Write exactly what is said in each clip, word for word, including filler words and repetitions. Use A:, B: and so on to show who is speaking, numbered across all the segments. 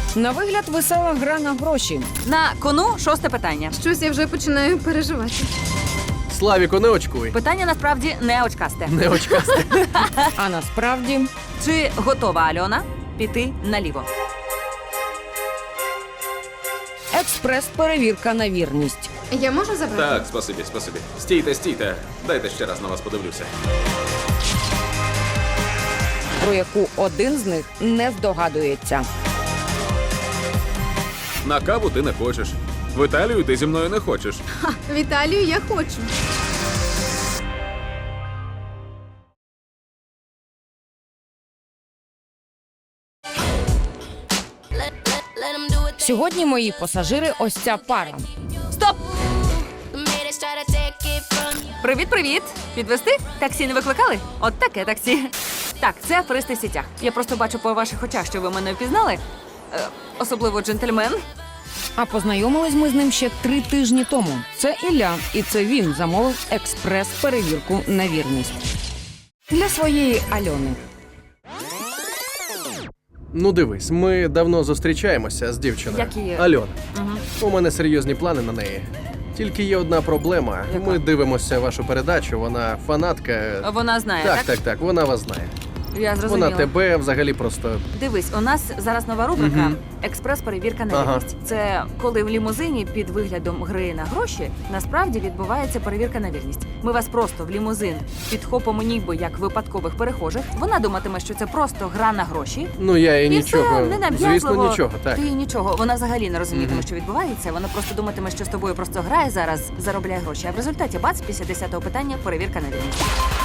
A: На вигляд весела гра на гроші.
B: На кону шосте питання.
C: Щось я вже починаю переживати.
D: Славіку, не очкуй.
B: Питання насправді не очкасте.
D: Не очкасти.
A: А насправді
B: Чи готова Альона піти наліво?
A: експрес-перевірка на вірність.
C: Я можу забрати?
E: Так, спасибі, спасибі. Стійте, стійте. Дайте ще раз на вас подивлюся.
A: Про яку один з них не здогадується.
E: На каву ти не хочеш. В Італію ти зі мною не хочеш.
C: Ха, в Італію я хочу.
A: Сьогодні мої пасажири ось ця пара.
B: Стоп! Привіт-привіт! Підвести? Таксі не викликали? От таке таксі. Так, це аферисти в сітях. Я просто бачу по ваших очах, що ви мене впізнали. Е, особливо джентльмен.
A: А познайомились ми з ним ще три тижні тому. Це Ілля, і це він замовив експрес-перевірку на вірність. Для своєї Альони.
D: Ну дивись, ми давно зустрічаємося з дівчиною.
B: Як її?
D: Альона.
B: Угу.
D: У мене серйозні плани на неї. Тільки є одна проблема.
B: Яка?
D: Ми дивимося вашу передачу, вона фанатка.
B: Вона знає,
D: Так,
B: так?
D: так, так, вона вас знає.
B: Я зрозуміла.
D: Вона тебе взагалі просто.
B: Дивись, у нас зараз нова рубрика
D: Мгм.
B: «Експрес-перевірка на
D: Ага.
B: вірність». Це коли в лімузині під виглядом гри на гроші насправді відбувається перевірка на вірність. Ми вас просто в лімузин підхопимо ніби як випадкових перехожих. Вона думатиме, що це просто гра на гроші.
D: Ну я і
B: І
D: нічого.
B: все, ненав'язливо.
D: Звісно, нічого, так.
B: Ти нічого. Вона взагалі не розумітиме,
D: Мгм.
B: що відбувається. Вона просто думатиме, що з тобою просто грає зараз, заробляє гроші. А в результаті бац, після десятого питання перевірка на вірність.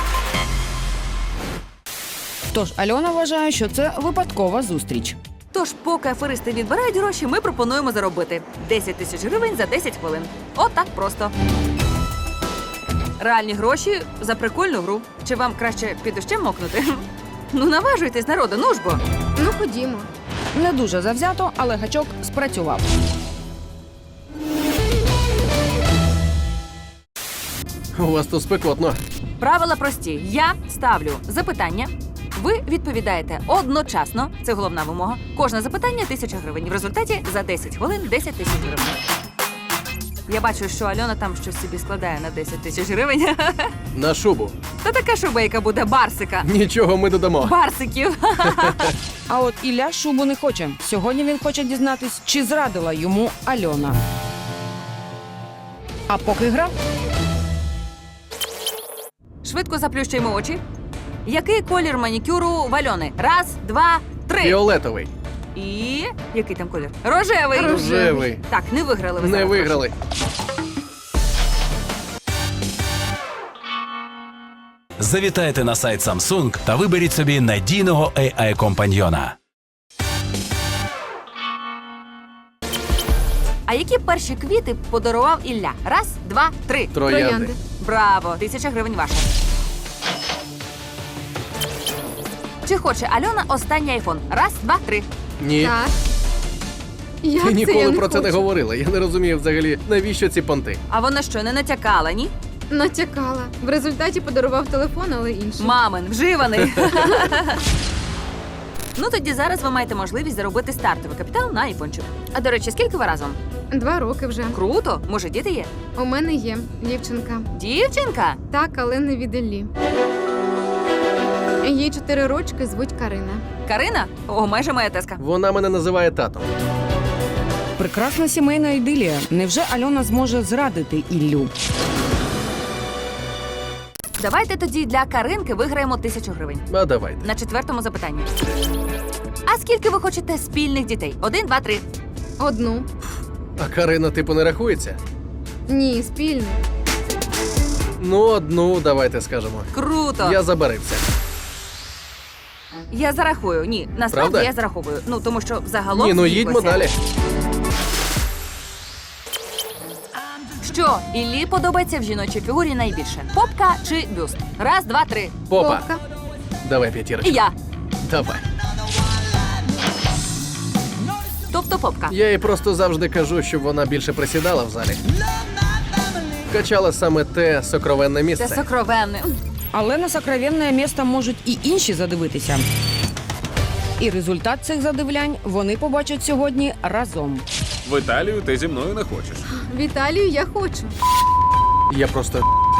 A: Тож Альона вважає, що це випадкова зустріч.
B: Тож, поки аферисти відбирають гроші, ми пропонуємо заробити десять тисяч гривень за десять хвилин. От так просто. Реальні гроші за прикольну гру. Чи вам краще під дощем мокнути? Ну, наважуйтесь, народу, ну ж бо.
C: Ну, ходімо.
A: Не дуже завзято, але гачок спрацював.
D: У вас тут спекотно.
B: Правила прості. Я ставлю запитання. Ви відповідаєте одночасно. Це головна вимога. Кожне запитання – тисяча гривень. В результаті за десять хвилин десять тисяч гривень. Я бачу, що Альона там щось собі складає на десять тисяч гривень.
D: На шубу.
B: Та така шубейка буде барсика.
D: Нічого ми додамо.
B: Барсиків.
A: А от Ілля шубу не хоче. Сьогодні він хоче дізнатись, чи зрадила йому Альона. А поки гра,
B: Швидко заплющуємо очі. Який колір манікюру в Альони? Раз, два, три.
D: Фіолетовий.
B: І який там колір? Рожевий.
D: Рожевий.
B: Так, не виграли ви
D: Не
B: зараз.
D: виграли.
F: Завітайте на сайт Samsung та виберіть собі надійного ей ай-компаньйона.
B: А які перші квіти подарував Ілля? Раз, два, три.
D: Троянди.
C: Троянди.
B: Браво! Тисяча гривень ваша. Чи хоче Альона останній айфон? Раз, два, три.
D: Ні.
C: Так. Як
D: Ти
C: це
D: ніколи
C: я не
D: про це не
C: хочу?
D: говорила. Я не розумію взагалі, навіщо ці понти.
B: А вона що, не натякала, ні?
C: Натякала. В результаті подарував телефон, але інший.
B: Мамин, вживаний. Ну тоді зараз ви маєте можливість заробити стартовий капітал на айфончик. А до речі, скільки ви разом?
C: Два роки вже.
B: Круто! Може, діти є?
C: У мене є дівчинка.
B: Дівчинка?
C: Так, але не від Іллі. Їй чотири рочки, звуть Карина.
B: Карина? О, майже моя теска.
D: Вона мене називає татом.
A: прекрасна сімейна ідилія. Невже Альона зможе зрадити Іллю?
B: Давайте тоді для Каринки виграємо тисячу гривень.
D: А давайте.
B: На четвертому запитанні. А скільки ви хочете спільних дітей? Один, два, три.
C: Одну.
D: А Карина, типу, не рахується?
C: Ні, спільну.
D: Ну, одну, давайте скажемо.
B: Круто!
D: Я забарився.
B: Я зарахую. Ні, насправді
D: Правда?
B: я зараховую. Ну, тому що загалом
D: Ні, ну їдьмо
B: зійшлося.
D: далі.
B: Що Іллі подобається в жіночій фігурі найбільше? Попка чи бюст? Раз, два, три.
D: Попа.
C: Попка.
D: Давай
B: І
D: п'ятірочку.
B: я.
D: Давай.
B: Тобто попка.
D: Я їй просто завжди кажу, щоб вона більше присідала в залі. Качала саме те сокровенне
B: Це
D: місце.
B: сокровенне.
A: Але на сокровенне місце можуть і інші задивитися. І результат цих задивлянь вони побачать сьогодні разом.
E: В Італію ти зі мною не хочеш.
C: В Італію я хочу.
D: Я просто.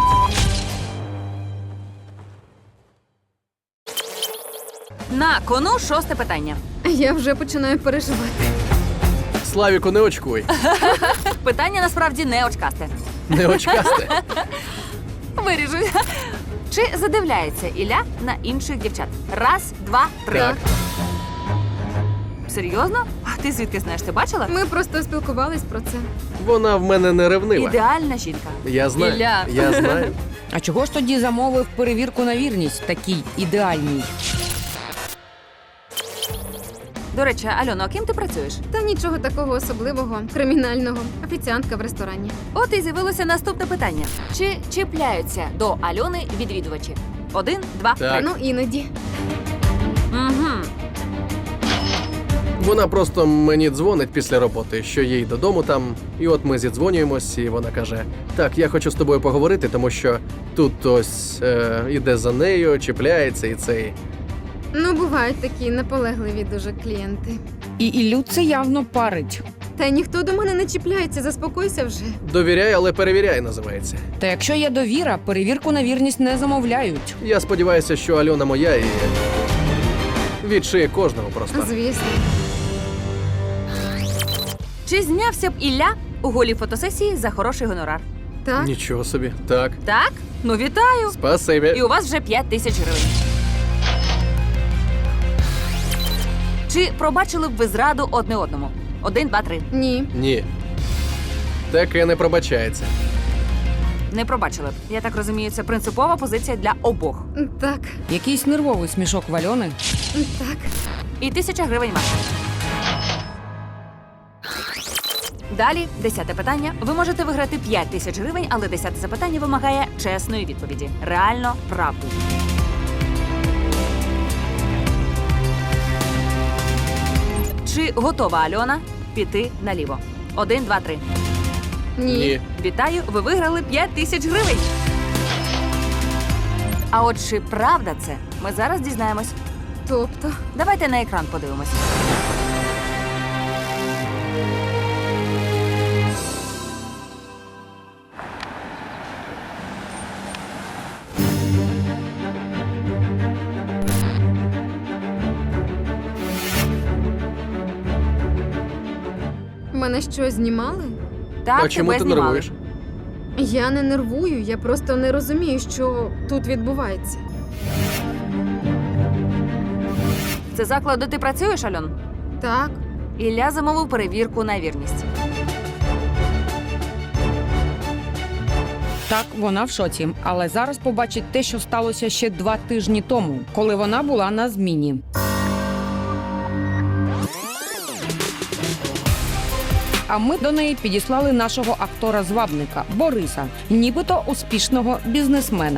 B: На кону шосте питання.
C: Я вже починаю переживати.
D: Славіку, не очкуй.
B: Питання насправді не очкасте.
D: Не очкасти.
B: Виріжу. Чи задивляється Ілля на інших дівчат? Раз, два, три.
D: Так.
B: Серйозно? А ти звідки знаєш? Ти бачила?
C: Ми просто спілкувались про це.
D: Вона в мене не ревнива.
B: Ідеальна жінка.
D: Я знаю.
B: Ілля.
D: Я знаю.
A: А чого ж тоді замовив перевірку на вірність такій ідеальній?
B: До речі, Альоно, а ким ти працюєш?
C: Та нічого такого особливого, кримінального. Офіціантка в ресторані.
B: От і з'явилося наступне питання. Чи чіпляються до Альони відвідувачі? Один, два,
D: Так.
B: три.
C: Ну, іноді.
B: Угу.
D: Вона просто мені дзвонить після роботи, що їй додому там. І от ми зідзвонюємось, і вона каже: Так, я хочу з тобою поговорити, тому що тут ось е, іде за нею, чіпляється і цей.
C: Ну, бувають такі наполегливі дуже клієнти.
A: І Іллю це явно парить.
C: Та й ніхто до мене не чіпляється, заспокойся вже.
D: Довіряй, але перевіряй, називається.
A: Та якщо є довіра, перевірку на вірність не замовляють.
D: Я сподіваюся, що Альона моя і відшиє кожного просто.
C: Звісно.
B: Чи знявся б Ілля у голій фотосесії за хороший гонорар?
C: Так?
D: Нічого собі. Так.
B: Так? Ну вітаю! І
D: Спасибі.
B: у вас вже п'ять тисяч гривень. Чи пробачили б ви зраду одне одному? Один, два, три.
C: Ні.
D: Ні. Таке не пробачається.
B: Не пробачили б. Я так розумію, це принципова позиція для обох.
C: Так.
A: Якийсь нервовий смішок в Альони.
C: Так.
B: І тисяча гривень ваша. Далі, десяте питання. Ви можете виграти п'ять тисяч гривень, але десяте запитання вимагає чесної відповіді. Реально правду. Чи готова Альона піти наліво? Один, два, три.
C: Ні.
D: Ні.
B: Вітаю, ви виграли п'ять тисяч гривень. А от чи правда це? Ми зараз дізнаємось.
C: Тобто.
B: Давайте на екран подивимось.
C: Мене що, знімали?
B: Так,
D: а чому
B: тебе
D: ти
B: знімали.
D: нервуєш?
C: Я не нервую, я просто не розумію, що тут відбувається.
B: Це заклад, де ти працюєш, Альон?
C: Так.
B: Ілля замовив перевірку на вірність.
A: Так, вона в шоці, але зараз побачить те, що сталося ще два тижні тому, коли вона була на зміні. А ми до неї підіслали нашого актора-звабника Бориса, нібито успішного бізнесмена.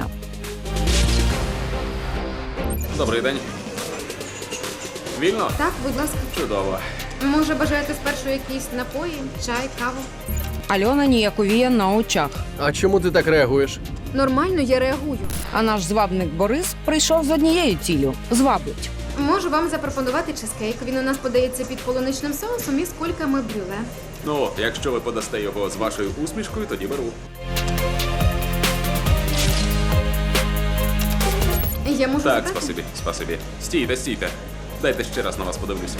E: Добрий день. Вільно?
C: Так, будь ласка.
E: Чудово.
C: Може, бажаєте спершу якісь напої, чай, каву?
A: Альона ніяковіє на очах.
D: А чому ти так реагуєш?
C: Нормально, я реагую.
A: А наш звабник Борис прийшов з однією ціллю – звабить.
C: Можу вам запропонувати чизкейк. Він у нас подається під полуничним соусом і з кульками брюле.
E: Ну, якщо ви подасте його з вашою усмішкою, тоді беру.
C: Я можу
E: Так,
C: забрати?
E: спасибі, спасибі. Стійте, стійте. Дайте ще раз на вас подивлюся.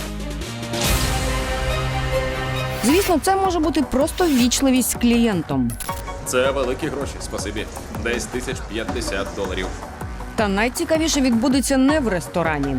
A: Звісно, це може бути просто ввічливість з клієнтом.
E: Це великі гроші, спасибі. Десь тисяч п'ятдесят доларів.
A: Та найцікавіше відбудеться не в ресторані.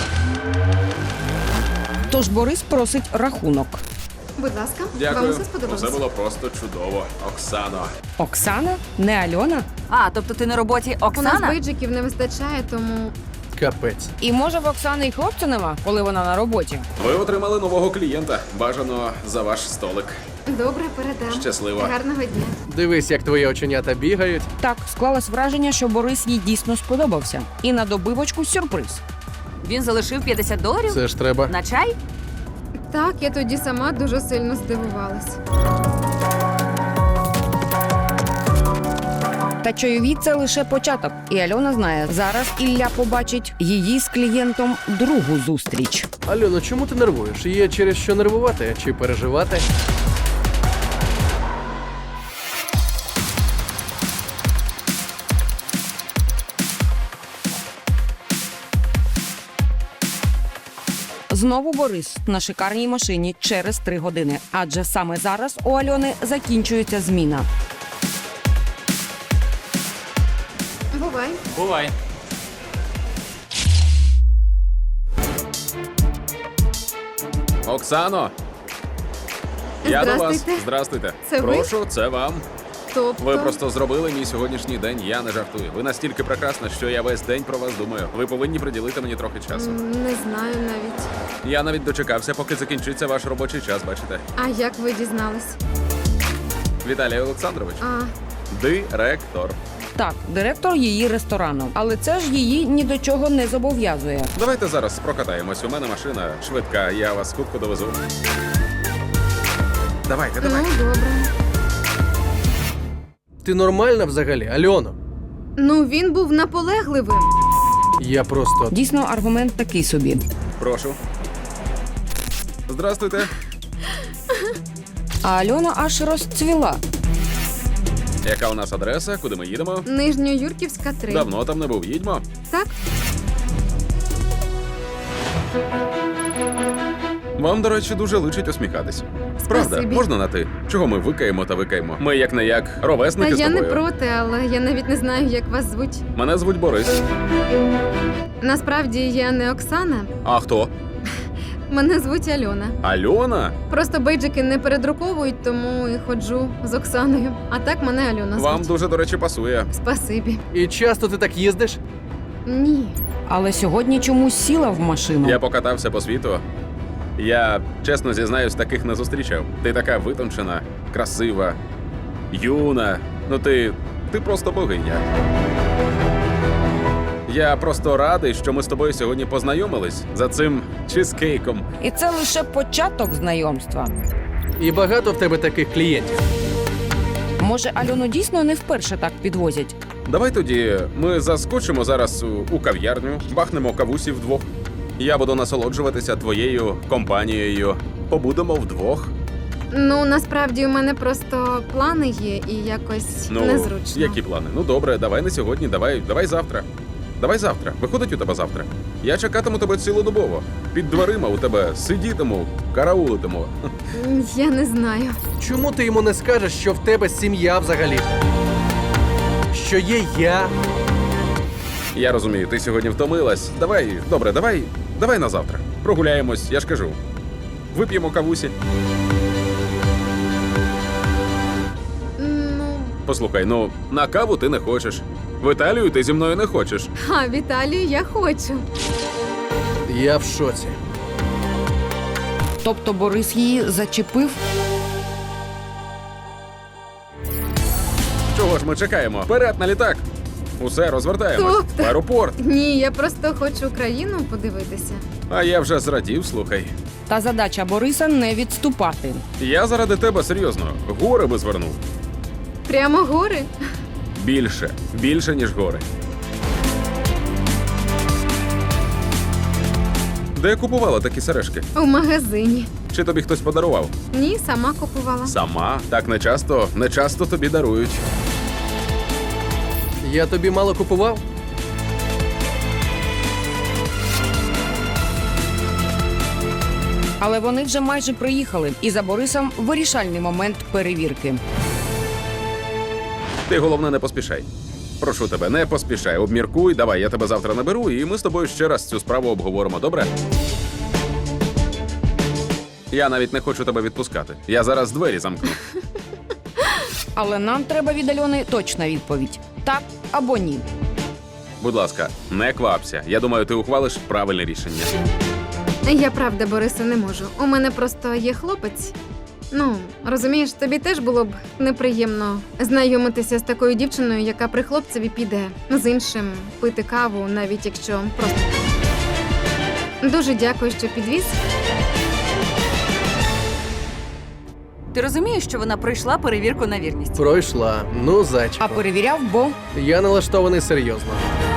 A: Тож Борис просить рахунок.
C: Будь ласка, вам
E: Дякую.
C: усе сподобалося?
E: Усе було просто чудово. Оксано.
A: Оксана? Не Альона?
B: А, тобто ти на роботі
C: У нас
B: Оксана?
C: бейджиків не вистачає, тому
D: Капець.
A: І може в Оксани й хлопця нема, коли вона на роботі?
E: Ви отримали нового клієнта. Бажано за ваш столик.
C: добре, передам.
E: Щасливо.
C: Гарного дня.
D: Дивись, як твої оченята бігають.
A: Так, склалось враження, що Борис їй дійсно сподобався. І на добивочку сюрприз.
B: Він залишив п'ятдесят доларів?
D: Це ж треба.
B: На чай?
C: Так, я тоді сама дуже сильно здивувалась.
A: Та чайові – це лише початок. І Альона знає, зараз Ілля побачить її з клієнтом другу зустріч.
D: Альоно, чому ти нервуєш? Є через що нервувати чи переживати?
A: Знову Борис на шикарній машині через три години. Адже саме зараз у Альони закінчується зміна.
C: Бувай.
E: Бувай. Оксано! Я до вас.
C: Здрастуйте.
E: Здрастуйте.
C: Це ви?
E: Прошу, це вам.
C: Тобто...
E: Ви просто зробили мій сьогоднішній день, я не жартую. Ви настільки прекрасна, що я весь день про вас думаю. Ви повинні приділити мені трохи часу.
C: М, Не знаю навіть.
E: Я навіть дочекався, поки закінчиться ваш робочий час, бачите.
C: А як ви дізнались?
E: Віталій Олександрович.
C: А,
E: Директор.
A: Так, директор її ресторану. Але це ж її ні до чого не зобов'язує.
E: Давайте зараз прокатаємось. У мене машина швидка, я вас хутко довезу. Давайте,
C: ну
E: давайте.
C: добре.
D: Ти нормальна взагалі, Альоно?
C: Ну він був наполегливим.
D: Я просто...
A: Дійсно, аргумент такий собі.
E: Прошу. Здрастуйте.
A: А Альона аж розцвіла.
E: Яка у нас адреса? Куди ми їдемо?
C: Нижньоюрківська три.
E: Давно там не був. Їдьмо.
C: Так?
E: Вам, до речі, дуже личить усміхатись. Правда,
C: Спасибі.
E: можна на ти? Чого ми викаємо та викаємо? Ми як не як ровесники
C: Та
E: з
C: я
E: тобою.
C: не проти, але я навіть не знаю, як вас звуть.
E: Мене звуть Борис.
C: Насправді я не Оксана,
E: А хто?
C: мене звуть Альона.
E: Альона?
C: Просто бейджики не передруковують, тому і ходжу з Оксаною. А так мене Альона звуть.
E: Вам дуже, до речі, пасує.
C: Спасибі.
D: І часто ти так їздиш?
C: Ні.
A: Але сьогодні чомусь сіла в машину.
E: Я покатався по світу. Я, чесно зізнаюсь, таких не зустрічав. Ти така витончена, красива, юна. Ну ти. ти просто богиня. Я просто радий, що ми з тобою сьогодні познайомились за цим чизкейком.
A: І це лише початок знайомства.
D: І багато в тебе таких клієнтів.
A: Може, Альону дійсно не вперше так підвозять?
E: Давай тоді ми заскочимо зараз у, у кав'ярню, бахнемо кавусі вдвох. Я буду насолоджуватися твоєю компанією. Побудемо вдвох.
C: Ну, насправді у мене просто плани є і якось
E: Ну,
C: незручно.
E: які плани? Ну добре, давай не сьогодні, давай, давай завтра. Давай завтра. Виходить у тебе завтра. Я чекатиму тебе цілодобово. Під дверима у тебе сидітиму, караулитиму.
C: М, Я не знаю.
D: Чому ти йому не скажеш, що в тебе сім'я взагалі? Що є я?
E: Я розумію, ти сьогодні втомилась. Давай, добре, давай, давай на завтра. Прогуляємось, я ж кажу. Вип'ємо кавусі.
C: Ну,
E: Послухай, ну на каву ти не хочеш. В Італію ти зі мною не хочеш.
C: а Віталію я хочу.
D: Я в шоці.
A: Тобто Борис її зачепив?
E: Чого ж ми чекаємо? Вперед на літак! Усе, розвертаємось.
C: Тобто?
E: В аеропорт.
C: Ні, я просто хочу країну подивитися.
E: А я вже зрадів, слухай.
A: Та задача Бориса не відступати.
E: Я заради тебе серйозно. Гори би звернув.
C: Прямо гори.
E: Більше. Більше, ніж гори. Де купувала такі сережки?
C: У магазині.
E: Чи тобі хтось подарував?
C: Ні, сама купувала.
E: Сама? Так не часто, не часто тобі дарують.
D: Я тобі мало купував?
A: Але вони вже майже приїхали, і за Борисом вирішальний момент перевірки.
E: Ти головне не поспішай. Прошу тебе, не поспішай, обміркуй, давай, я тебе завтра наберу, і ми з тобою ще раз цю справу обговоримо, добре? Я навіть не хочу тебе відпускати. Я зараз двері замкну.
A: Але нам треба від Альони точна відповідь: так або ні.
E: Будь ласка, не квапся. Я думаю, ти ухвалиш правильне рішення.
C: Я правда, Борисе, не можу. У мене просто є хлопець. Ну, розумієш, тобі теж було б неприємно знайомитися з такою дівчиною, яка при хлопцеві піде з іншим пити каву, навіть якщо просто. Дуже дякую, що підвіз.
B: Ти розумієш, що вона пройшла перевірку на вірність?
D: Пройшла. Ну, зайчику.
A: А перевіряв, бо
D: Я налаштований серйозно.